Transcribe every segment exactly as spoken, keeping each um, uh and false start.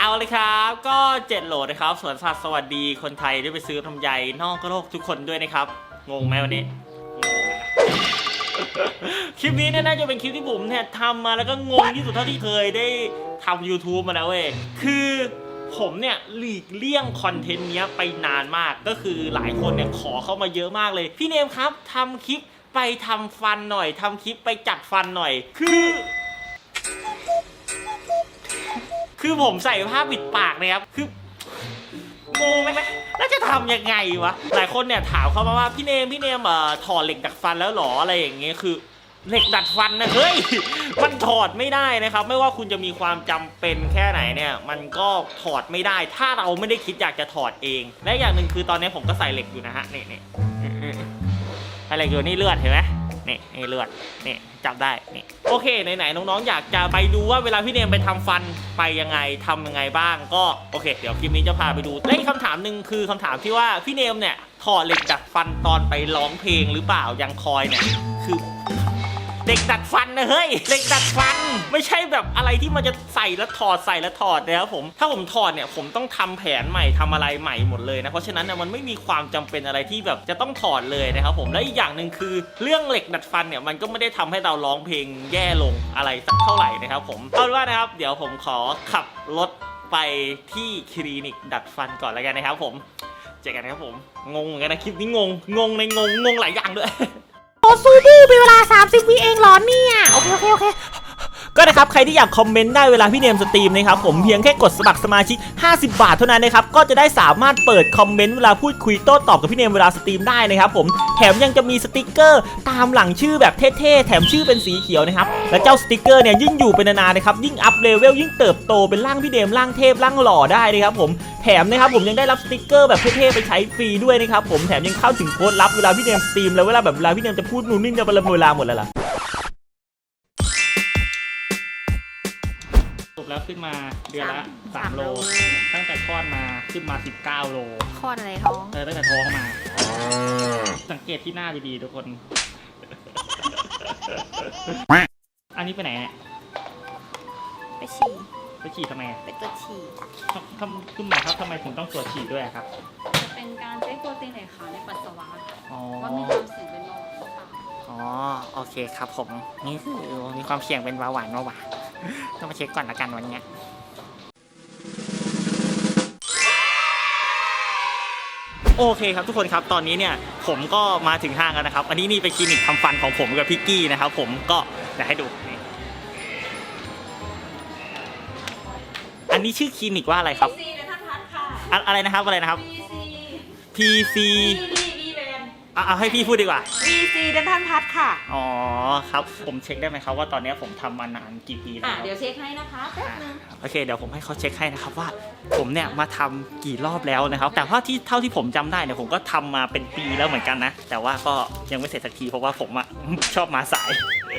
เอาเลยครับก็เจ็ดโหลนะครับสวนสัตว์สวัสดีคนไทยได้ไปซื้อลำไยนอกโลกทุกคนด้วยนะครับงงไหมวันนี้คลิปนี้เนี่ยน่าจะเป็นคลิปที่ผมเนี่ยทำมาแล้วก็งงที่สุดเท่าที่เคยได้ทำ YouTube มาแล้วเว้ยคือผมเนี่ยหลีกเลี่ยงคอนเทนต์เนี้ยไปนานมากก็คือหลายคนเนี่ยขอเข้ามาเยอะมากเลยพี่เนมครับทำคลิปไปทำฟันหน่อยทำคลิปไปจัดฟันหน่อยคือคือผมใส่ผ้าปิดปากนะครับคืองงไหมแล้วจะทำยังไงวะหลายคนเนี่ยถามเข้ามาว่าพี่เนมพี่เนมเอ่อถอดเหล็กดัดฟันแล้วหรออะไรอย่างเงี้ยคือเหล็กดัดฟันนะเฮ้ยมันถอดไม่ได้นะครับไม่ว่าคุณจะมีความจำเป็นแค่ไหนเนี่ยมันก็ถอดไม่ได้ถ้าเราไม่ได้คิดอยากจะถอดเองและอย่างหนึ่งคือตอนนี้ผมก็ใส่เหล็กอยู่นะฮะนี่นี่อะไรอยู่นี่เลือดเห็นไหมนี่นี่เลือดนี่จับได้นี่โอเคไหนๆน้องๆอยากจะไปดูว่าเวลาพี่เนมไปทำฟันไปยังไงทำยังไงบ้างก็โอเคเดี๋ยวคลิปนี้จะพาไปดูและอีกคำถามหนึ่งคือคำถามที่ว่าพี่เนมเนี่ยถอดเหล็กดัดฟันตอนไปร้องเพลงหรือเปล่ายังคอยเนี่ยคือเหล็กดัดฟันนะเฮ้ยเหล็กดัดฟันไม่ใช่แบบอะไรที่มันจะใส่แล้วถอดใส่แล้วถอดนะครับผมถ้าผมถอดเนี่ยผมต้องทำแผนใหม่ทำอะไรใหม่หมดเลยนะเพราะฉะนั้นเนี่ยมันไม่มีความจำเป็นอะไรที่แบบจะต้องถอดเลยนะครับผมและอีกอย่างหนึ่งคือเรื่องเหล็กดัดฟันเนี่ยมันก็ไม่ได้ทำให้เราร้องเพลงแย่ลงอะไรสักเท่าไหร่นะครับผมเอาเป็นว่านะครับเดี๋ยวผมขอขับรถไปที่คลินิกดัดฟันก่อนแล้วกันนะครับผมเจอกันนะครับผมงงเหมือนกันนะคลิปนี้งงงงในงงงงหลายอย่างด้วยโอ้ซูบูเป็นเวลาสามสิบวิเองเหรอเนี่ยโอเคโอเคโอเคก็นะครับใครที่อยากคอมเมนต์ได้เวลาพี่เนมสตรีมนะครับผมเพียงแค่กดสมัครสมาชิกห้าสิบบาทเท่านั้นนะครับก็จะได้สามารถเปิดคอมเมนต์เวลาพูดคุยโต้ตอบกับพี่เนมเวลาสตรีมได้นะครับผมแถมยังจะมีสติกเกอร์ตามหลังชื่อแบบเท่ๆแถมชื่อเป็นสีเขียวนะครับและเจ้าสติกเกอร์เนี่ยยิ่งอยู่เป็นนานๆนะครับยิ่งอัพเลเวลยิ่งเติบโตเป็นร่างพี่เนมร่างเทพร่างหล่อได้นะครับผมแถมนะครับผมยังได้รับสติกเกอร์แบบเท่ๆไปใช้ฟรีด้วยนะครับผมแถมยังเข้าถึงโค้ดลับเวลาพี่เนมสตรีมแล้วเวลาแบบเวลาพี่เนมจะพูดนู่นนี่จะเป็นเวลาหมดแล้วล่ะแล้วขึ้นมาเดือนละสามโลตั้งแต่คลอดมาขึ้นมาสิบเก้าโลคลอดอะไรท้องเออตั้งแต่ท้องมาสังเกตที่หน้าดีๆทุกคนอันนี้ไปไหนเนี่ยไปฉี่ไปฉี่ทำไมไปตรวจฉี่ทำคุณหมอครับทำไมผมต้องตรวจฉี่ด้วยครับเป็นการเช็คโปรตีนในขาในปัสสาวะว่ามีความเสี่ยงเป็นเบาหวานหรือเปล่าอ๋อโอเคครับผมนี่คือมีความเสี่ยงเป็นเบาหวานเบาหวานต้องมาเช็คก่อนละกันวันนี้โอเคครับทุกคนครับตอนนี้เนี่ยผมก็มาถึงห้างแล้วนะครับอันนี้นี่เป็นคลินิกทำฟันของผมกับพี่กี้นะครับผมก็เดี๋ยวให้ดูนี่อันนี้ชื่อคลินิกว่าอะไรครับพี ซี เดนทัลพัทค่ะอะไรนะครับอะไรนะครับ พี ซี เอาให้พี่พูดดีกว่าพี ซี เดนทัลพัทค่ะอ๋อครับผมเช็คได้ไหมครับว่าตอนนี้ผมทำมานานกี่ปีแล้วเดี๋ยวเช็คให้นะคะแป๊บนึงโอเคเดี๋ยวผมให้เขาเช็คให้นะครับว่าผมเนี่ยมาทำกี่รอบแล้วนะครับแต่ว่าที่เท่าที่ผมจำได้เนี่ยผมก็ทำมาเป็นปีแล้วเหมือนกันนะแต่ว่าก็ยังไม่เสร็จสักทีเพราะว่าผมอะชอบมาสาย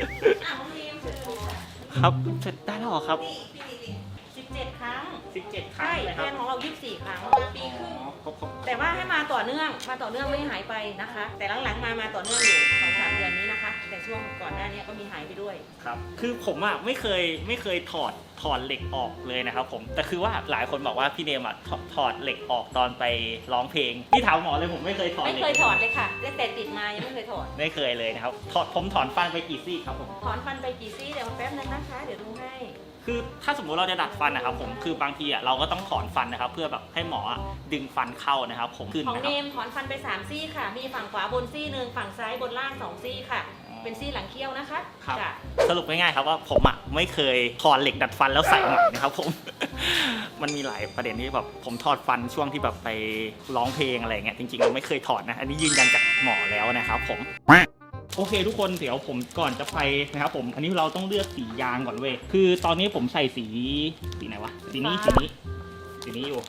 ครับเสร็จได้แล้วหรอครับสิบเจ็ดครั้งสิบเจ็ดครั้งใช่แฟนของเรายี่สิบสี่ครั้งปีครึ่งแต่ว่าให้มาต่อเนื่องมาต่อเนื่องไม่หายไปนะคะแต่หลังๆมามาต่อเนื่องอยู่สองสามเดือนนี้นะคะแต่ช่วงก่อนหน้านี้ก็มีหายไปด้วยครับคือผมอ่ะไม่เคยไม่เคยถอดถอดเหล็กออกเลยนะครับผมแต่คือว่าหลายคนบอกว่าพี่เนมอ่ะถอดเหล็กออกตอนไปร้องเพลงที่ถามหมอเลยผมไม่เคยถอดไม่เคยถอดเลยค่ะตั้งแต่ติดมายังไม่เคยถอดไม่เคยเลยนะครับถอดผมถอนฟันไปกี่ซี่ครับผมถอนฟันไปกี่ซี่เดี๋ยวแป๊บนึงนะคะเดี๋ยวดูให้คือถ้าสมมุติเราจะดัดฟันนะครับผมคือบางทีอ่ะเราก็ต้องถอนฟันนะครับเพื่อแบบให้หมอดึงฟันเข้านะครับผมขึ้นของเนมถอนฟันไปสามซี่ค่ะมีฝั่งขวาบนซี่หนึ่งฝั่งซ้ายบนล่างสองซี่ค่ะเป็นซี่หลังเคี้ยวนะคะครับสรุปง่ายๆครับว่าผมอ่ะไม่เคยถอดเหล็กดัดฟันแล้วใส่ใหม่นะครับผมมันมีหลายประเด็นที่แบบผมถอดฟันช่วงที่แบบไปร้องเพลงอะไรเงี้ยจริงๆเราไม่เคยถอดนะอันนี้ยืนยันจากหมอแล้วนะครับผมโอเคทุกคนเดี๋ยวผมก่อนจะไปนะครับผมอันนี้เราต้องเลือกสียางก่อนเว้ยคือตอนนี้ผมใส่สีสีไหนวะสีนี้สีนี้สีนี้อยู่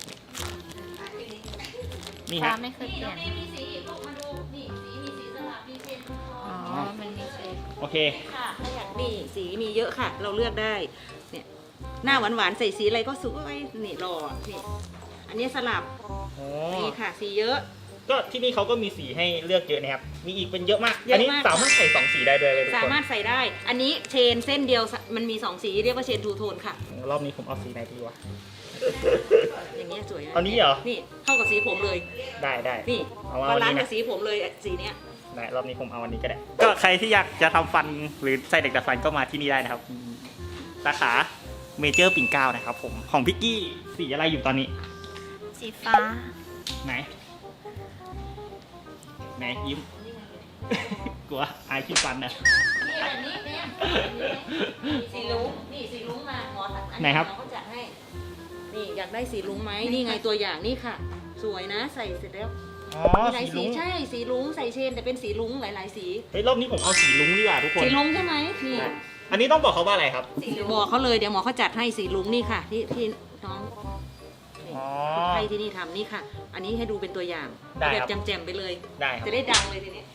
นี่ฮะไม่เคยเปลี่ยนนี่มีสีลูกมาดูนี่สีมีสีสลับมีเชนอ๋อมันมีเชนโอเคค่ะถ้าอยากนี่สีมีเยอะค่ะเราเลือกได้เนี่ยหน้าหวานๆใส่สีอะไรก็สวยนี่หล่อนี่อันนี้สลับนี่ค่ะสีเยอะก็ที่นี่เขาก็มีสีให้เลือกเยอะนะครับมีอีกเป็นเยอะมากอันนี้สามารถใส่สองสีได้ด้วยเลยทุกคนสามารถใส่ได้อันนี้เชนเส้นเดียวมันมีสองสีเรียกว่าเชนทูโทนค่ะรอบนี้ผมเอาสีไหนดีวะอย่างเงี้ยสวยะเอานี้เหรอนี่เข้ากับสีผมเลยได้ได้นี่เอาว่าบาวันลานนี้ซ์กับนะสีผมเลยสีเนี้ยได้รอบนี้ผมเอาวันนี้ก็ได้ ก็ใครที่อยากจะทำฟันหรือใส่เด็กดัดฟันก็มาที่นี่ได้นะครับสาขาเมเจอร์ปิ่นเกล้านะครับผมของพิกกี้สีอะไรอยู่ตอนนี้สีฟ้าไหนไหนยิ้ม กลัวอายขี้ฟันนะนี่แบบนี้เนี่ยสีลุ้งนี่สีลุ้งมาหมอถัดอัไหนครับหมอเขาจัดให้ นี่อยากได้สีลุ้งไหมนี่ไงตัวอย่างนี่ค่ะ สวยนะใส่เสร็จแล้วอ๋อมีหลายสีสีลุ้งใช่สีลุ้งใส่เชนแต่เป็นสีลุ้งหลายๆสีเฮ้ยรอบนี้ผมเอาสีลุ้งดีกว่าทุกคนสีลุ้งใช่ไหมนี่อันนี้ต้องบอกเขาว่าอะไรครับบอกเขาเลยเดี๋ยวหมอเขาจัดให้สีลุ้งนี่ค่ะ ที่ที่น้องนี่อ๋อคนไข้ที่นี่ทำนี่ค่ะ อันนี้ให้ดูเป็นตัวอย่างได้แบครับบแจ่มๆไปเลยได้ครับจะได้ดังเลยทีนี้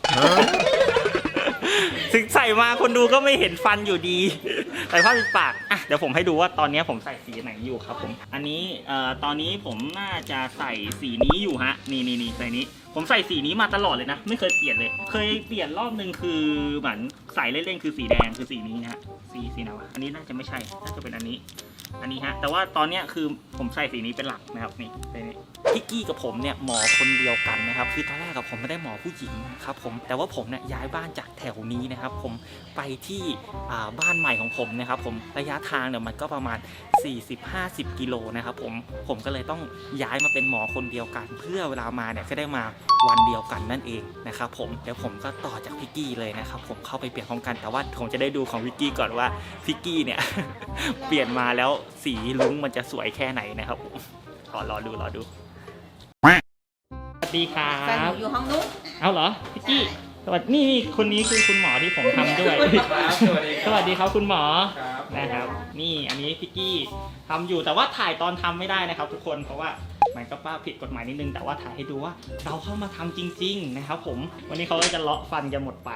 ถึงใส่มาคนดูก็ไม่เห็นฟันอยู่ดี ใส่ผ้าปิดปากอ่ะเดี๋ยวผมให้ดูว่าตอนนี้ผมใส่สีไหนอยู่ครับผม อันนี้เอ่อตอนนี้ผมน่าจะใส่สีนี้อยู่ฮะ นี่นี่นี่ใส่นี้ ผมใส่สีนี้มาตลอดเลยนะ ไม่เคยเปลี่ยนเลย เคยเปลี่ยนรอบนึงคือเหมือนใส่เล่นๆคือสีแดงคือสีนี้นะฮะ สีสีไหนวะอันนี้น่าจะไม่ใช่ น่าจะเป็นอันนี้ อันนี้ฮะ แต่ว่าตอนเนี้ยคือผมใส่สีนี้เป็นหลักนะครับนี่เป็นนี่พิกกี้กับผมเนี่ยหมอคนเดียวกันนะครับ คือตอนแรกกับผมไม่ได้หมอผู้หญิงนะครับผม แต่ว่าผมเนี่ยย้ายบ้านจากแถวนี้นะครับ ผมไปที่อ่าบ้านใหม่ของผมนะครับ ผมระยะทางเนี่ยมันก็ประมาณ สี่สิบห้าสิบ กิโลนะครับผม ผมก็เลยต้องย้ายมาเป็นหมอคนเดียวกัน เพื่อเวลามาเนี่ยก็ได้มาวันเดียวกันนั่นเองนะครับผม เดี๋ยวผมก็ต่อจากพิกกี้เลยนะครับผมเข้าไปเปลี่ยนพร้อมกัน แต่ว่าผมจะได้ดูของพิกกี้ก่อนว่าพิกกี้เนี่ย เปลี่ยนมาแล้วสีลุ้งมันจะสวยแค่ไหนนะครับผมขอรอดูรอดูสวัสดีครัแฟนหนูบอยู่ห้องนู้นเอาเหรอพิกกี้สวัสดีนี่นี่คนนี้คือคุณหมอที่ผมทำด้วยครับสวัสดีครับสวัสดีครับคุณหมอครับนะครับ นี่อันนี้พิกกี้ทำอยู่แต่ว่าถ่ายตอนทำไม่ได้นะครับ ทุกคนเพราะว่ามันก็ป้าผิดกฎหมายนิดนึงแต่ว่าถ่ายให้ดูว่าเราเข้ามาทำจริง ๆ นะครับ ผมวันนี้เขาก็จะเลาะฟันกันหมดปาก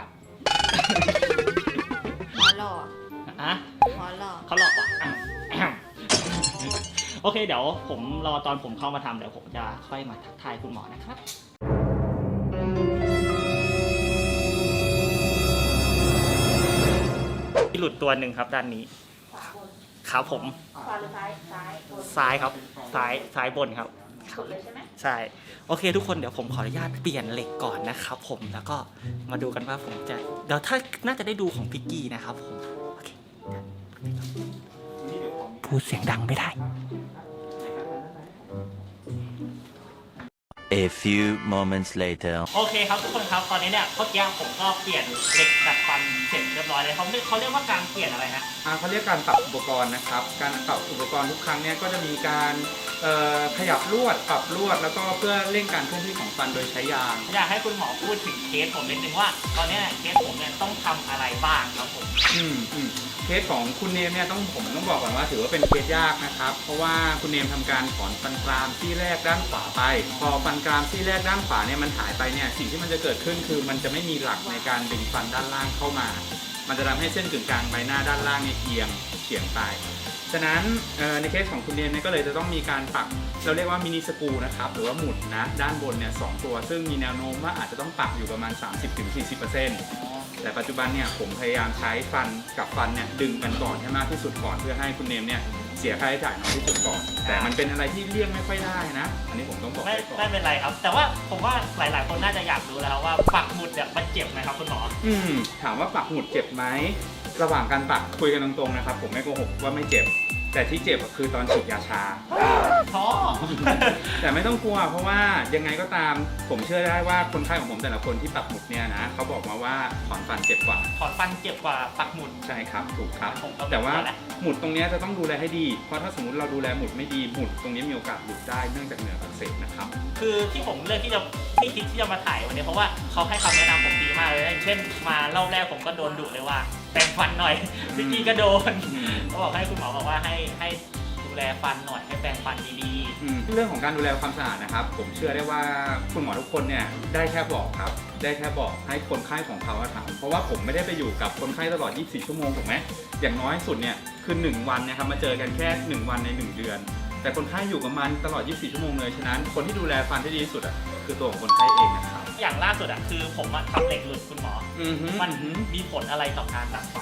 หมอหล่ออะหมอหล่อเขาหลอกว่ะอ่ะอ่ะโอเคเดี๋ยวผมรอตอนผมเข้ามาทำเดี๋ยวผมจะค่อยมาทักทายคุณหมอนะครับที่หลุดตัวหนึ่งครับด้านนี้ครับผมขวาหรือซ้ายซ้ายซ้ายครับซ้ายซ้ายบนครับสุดเลยใช่ไหมใช่โอเคทุกคนเดี๋ยวผมขออนุญาตเปลี่ยนเหล็กก่อนนะครับผมแล้วก็มาดูกันว่าผมจะเดี๋ยวถ้าน่าจะได้ดูของพิกกี้นะครับผมโอเคพูดเสียงดังไม่ได้ A few moments later. โอเคครับทุกคนครับตอนนี้เนี่ยเมื่อกี้ผมก็เปลี่ยนเหล็กดัดฟันเสร็จเรียบร้อยเลยเขาเรียกเขาเรียกว่าการเปลี่ยนอะไรนะอ่าเขาเรียกการปรับอุปกรณ์นะครับ การปรับอุปกรณ์ทุกครั้งเนี่ยก็จะมีการเอ่อขยับลวด ปรับลวด แล้วก็เพื่อเร่งการเคลื่อนที่ของฟันโดยใช้ยางอยากให้คุณหมอพูดถึงเคสผมนิดนึงว่า ตอนนี้เนี่ยเคสผมเนี่ยต้องทำอะไรบ้างครับผมอืมอืมเคสของคุณเนมเนี่ยต้องผมต้องบอกก่อนว่าถือว่าเป็นเคสยากนะครับ เพราะว่าคุณเนมทำการถอนฟันกรามซี่แรกด้านขวาไป พอฟันกรามซี่แรกด้านขวาเนี่ยมันหายไปเนี่ยสิ่งที่มันจะเกิดขึ้นคือมันจะไม่มีหลักในการดึงฟันด้านล่างเข้ามา มันจะทำให้เส้นกึ่งกลางใบหน้าด้านล่างเนี่ยเอียงเฉียงไป ฉะนั้นเอ่อในเคสของคุณเนมเนี่ยก็เลยจะต้องมีการปักเราเรียกว่ามินิสกรูนะครับหรือว่าหมุดนะด้านบนเนี่ยสองตัว ซึ่งมีแนวโน้มว่าอาจจะต้องปักอยู่ประมาณ สามสิบถึงสี่สิบเปอร์เซ็นต์ แต่ปัจจุบันเนี่ยผมพยายามใช้ฟันกับฟันเนี่ยดึงกันก่อนให้มากที่สุดก่อนเพื่อให้คุณเนมเนี่ยเสียค่าใช้จ่ายน้อยที่สุดก่อน แต่มันเป็นอะไรที่เลี่ยงไม่ค่อยได้นะ อันนี้ผมต้องบอกไม่ไว้ก่อนไม่เป็นไรครับ แต่ว่าผมว่าหลาย ๆ คนน่าจะอยากรู้แล้วครับว่าปักหมุดเนี่ยมันเจ็บไหมครับคุณหมออืมถามว่าปักหมุดเจ็บไหมระหว่างการปักคุยกันตรงๆนะครับผมไม่โกหกว่าไม่เจ็บ แต่ที่เจ็บคือตอนฉีดยาชาท้อแต่ไม่ต้องกลัวเพราะว่ายังไงก็ตามผมเชื่อได้ว่าคนไข้ของผมแต่ละคนที่ปักหมุดเนี่ยนะเขาบอกมาว่าถอนฟันเจ็บกว่าถอนฟันเจ็บกว่าปักหมุดใช่ครับถูกครับผมก็แต่ว่าไม่กลัวแหละหมุดตรงเนี้ยจะต้องดูแลให้ดีเพราะถ้าสมมติเราดูแลหมุดไม่ดีหมุดตรงนี้มีโอกาสหลุดได้เนื่องจากเหงื่ออักเสบนะครับคือที่ผมเลือกที่จะที่คิดที่จะมาถ่ายวันนี้เพราะว่าเขาให้คำแนะนำผมดีมากเลยอย่างเช่น มารอบแรกผมก็โดนดุเลยว่าแปรงฟันหน่อยพี่กี้ก็โดนอืมเขาบอกให้คุณหมอบอกว่าให้ให้ดูแลฟันหน่อยให้แปรงฟันดีอืมเรื่องของการดูแลความสะอาดนะครับ ผมเชื่อได้ว่าคุณหมอทุกคนเนี่ยได้แค่บอกครับ ได้แค่บอกให้คนไข้ของเขาทำเพราะว่าผมไม่ได้ไปอยู่กับคนไข้ตลอด ยี่สิบสี่ ชั่วโมงถูกไหมอย่างน้อยสุดเนี่ยคือหนึ่งวันเนะครับมาเจอกันแค่หนึ่งวันในหนึ่งเดือน แต่คนไข้อยู่กับมันตลอด ยี่สิบสี่ ชั่วโมงเลยฉะนั้นคนที่ดูแลฟันที่ดีที่สุดอ่ะคือตัวของคนไข้เองนะครับๆ อย่างล่าสุดอะคือผมอะทำเหล็กหลุดคุณหมออือฮึมันอือฮึมีผลอะไรต่อการตัดฟันไหมฮะ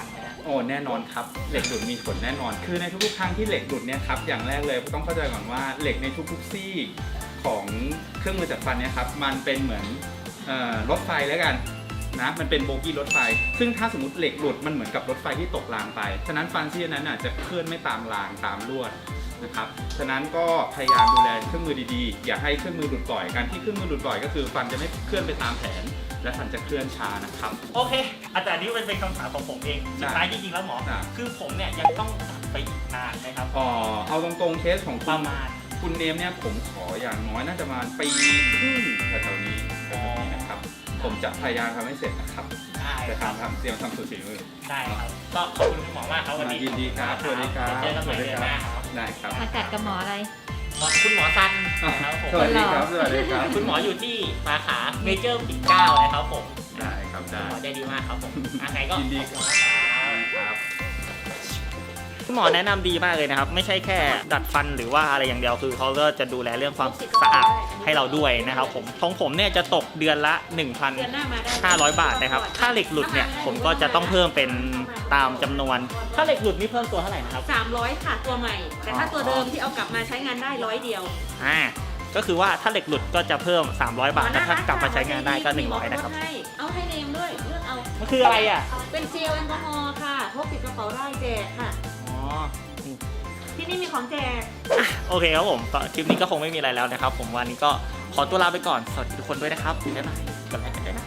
โอ้แน่นอนครับเหล็กดุดมีผลแน่นอน คือในทุกๆครั้งที่เหล็กดุดเนี่ยครับอย่างแรกเลยต้องเข้าใจก่อนว่าเหล็กในทุกๆซี่ของเครื่องมือจัดฟันเนี่ยครับมันเป็นเหมือนเอ่อรถไฟแล้วกันนะมันเป็นโบกี้รถไฟซึ่งถ้าสมมติเหล็กหลุดมันเหมือนกับรถไฟที่ตกรางไปฉะนั้นฟันซี่นั้นอาจจะเคลื่อนไม่ตามรางตามลวดนะครับฉะนั้นก็พยายามดูแลเครื่องมือดีๆอย่าให้เครื่องมือหลุดบ่อยการที่เครื่องมือหลุดบ่อยก็คือฟันจะไม่เคลื่อนไปตามแผนและฟันจะเคลื่อนช้านะครับโอเค อาจารย์นี่เป็นเป็นคำถามของผมเองสุดท้ายจริงๆแล้วหมออ่าคือผมเนี่ยยังต้องตัดไปอีกนานไหมครับอ๋อเอาตรงๆเคสของปคุระณมาณคุณเนมเนี่ยผมขออย่างน้อยน่าจะมาปีครึ่งแถวๆนี้แถวๆนี้นะครับผมจะพยายามทำให้เสร็จนะครับได้จะครับทำทำเตรียมทำสุดฝีมือได้ครับ ก็ขอบคุณคุณหมอมากครับวันนี้ยินดีครับสวัสดีครับเจอกันใหม่เดือนหน้าครับได้ครับมากัดกับหมออะไรหมอคุณหมอซันนะครับผมสวัสดีครับสวัสดีครับคุณหมออยู่ที่สาขาเมเจอร์ปิ่นเกล้านะครับผมได้ครับคุได้ณหมอใจดีมากครับผมอ่ะไงก็ยินดีขอบคุณนะครับครับคุณหมอแนะนำดีมากเลยนะครับ ไม่ใช่แค่ดัดฟันหรือว่าอะไรอย่างเดียวคือเขาก็จะดูแลเรื่องความสะอาดให้เราด้วยนะครับผมของผมเนี่ยจะตกเดือนละเดือนหน้ามาได้ห้าร้อย บาทนะครับถ้าเหล็กหลุดเนี่ยผมก็จะต้องเพิ่มเป็นตามจำนวน ถ้าเหล็กหลุดนี่เพิ่มตัวเท่าไหร่นะครับสามร้อยค่ะตัวใหม่ แต่ถ้าตัวเดิมที่เอากลับมาใช้งานได้ร้อยเดียวอ่าก็คือว่าถ้าเหล็กหลุดก็จะเพิ่มสามร้อยบาทแต่ถ้ากลับมาใช้งานได้ก็หนึ่งร้อยนะครับให้เอาให้เนมด้วยเลือกเอามันคืออะไรอ่ะเป็นเจลแอลกอฮอล์ค่ะพกติดกระเป๋าได้แจกค่ะอ๋อที่นี่มีของแจกโอเคครับผมก็คลิปนี้ก็คงไม่มีอะไรแล้วนะครับ ผมวันนี้ก็ขอตัวลาไปก่อน สวัสดีทุกคนด้วยนะครับบ๊ายบายกดไลค์กันด้วยนะ